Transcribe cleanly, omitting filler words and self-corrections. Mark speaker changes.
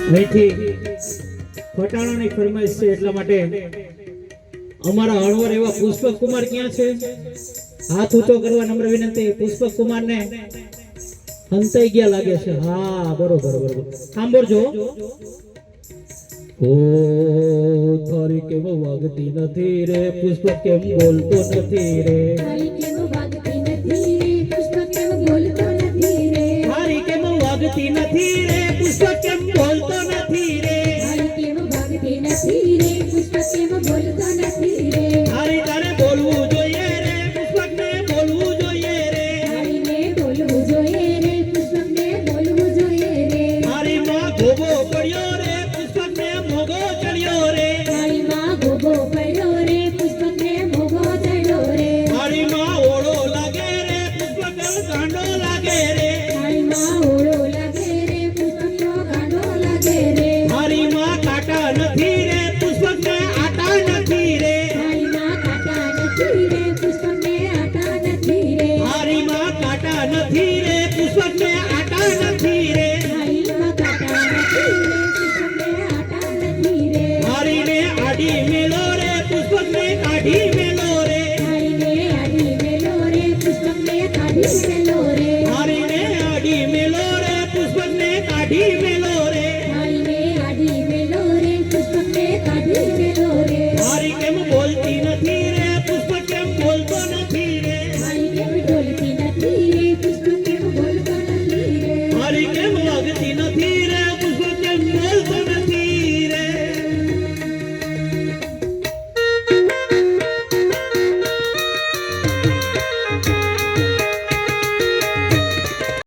Speaker 1: અહીંથી ફટાણાની ફરમાઈશ છે એટલા માટે અમારા હળવર એવા પુષ્પક કુમાર ક્યાં છે? હાથ ઊંચો કરવા નમ્ર વિનંતી. પુષ્પક કુમાર ને હંતાઈ ગયા લાગે છે. હા બરોબર બરોબર સાંભળજો. ઓ તારી કેમ વાગતી નથી રે પુષ્પક કેમ બોલતો નથી રે.
Speaker 2: તારી કેમ વાગતી નથી રે પુષ્પક કેમ બોલતો નથી રે.
Speaker 1: તારી કેમ વાગતી નથી રે પુષ્પક કેમ બોલતો નથી રે.
Speaker 2: તારી કેમ વાગતી નથી રે પુષ્પક કેમ બોલતો નથી રે.
Speaker 1: તારી તારે બોલવું જોઈએ રે પુષ્પક ને બોલવું જોઈએ રે.
Speaker 2: તારીને બોલવું જોઈએ રે પુષ્પક ને બોલવું જોઈએ રે.
Speaker 1: તારી માં ગોબો પડ્યો રે પુષ્પક ને મોગો ચડ્યો રે.
Speaker 2: તારી માં ગોગો પડ્યો રે પુષ્પક ને મોગો ચડ્યો રે.
Speaker 1: તારી માં ઓળો લાગે રે પુષ્પક ગાંડો લાગે રે.
Speaker 2: તારી માં ઓળો લાગે રે પુષ્પક નો ગાંડો લાગે રે.
Speaker 1: તારી માં કાંટા નથી રે પુષ્પક ને આટા નથી રે.
Speaker 2: તારી માં કાંટા નથી રે પુષ્પક ને આટા નથી રે.
Speaker 1: તારી માં કાંટા નથી રે પુષ્પક ને આટા નથી રે.
Speaker 2: તારી માં કાંટા નથી રે પુષ્પક ને આટા નથી રે.
Speaker 1: તારીને આડી મેલો રે પુષ્પક ને કાઢી મેલો રે.
Speaker 2: તારીને આડી મેલો રે પુષ્પક ને કાઢી મેલો રે.
Speaker 1: તારીને આડી મેલો રે પુષ્પક ને કાઢી મેલો રે.
Speaker 2: તારીને આડી મેલો રે પુષ્પક ને કાઢી મેલો રે.
Speaker 1: તારી કેમ બોલતી નથી રે પુષ્પક કેમ બોલતો નથી રે.
Speaker 2: તારી કેમ બોલતી નથી રે પુષ્પક કેમ બોલતો નથી રે.
Speaker 1: તારી કેમ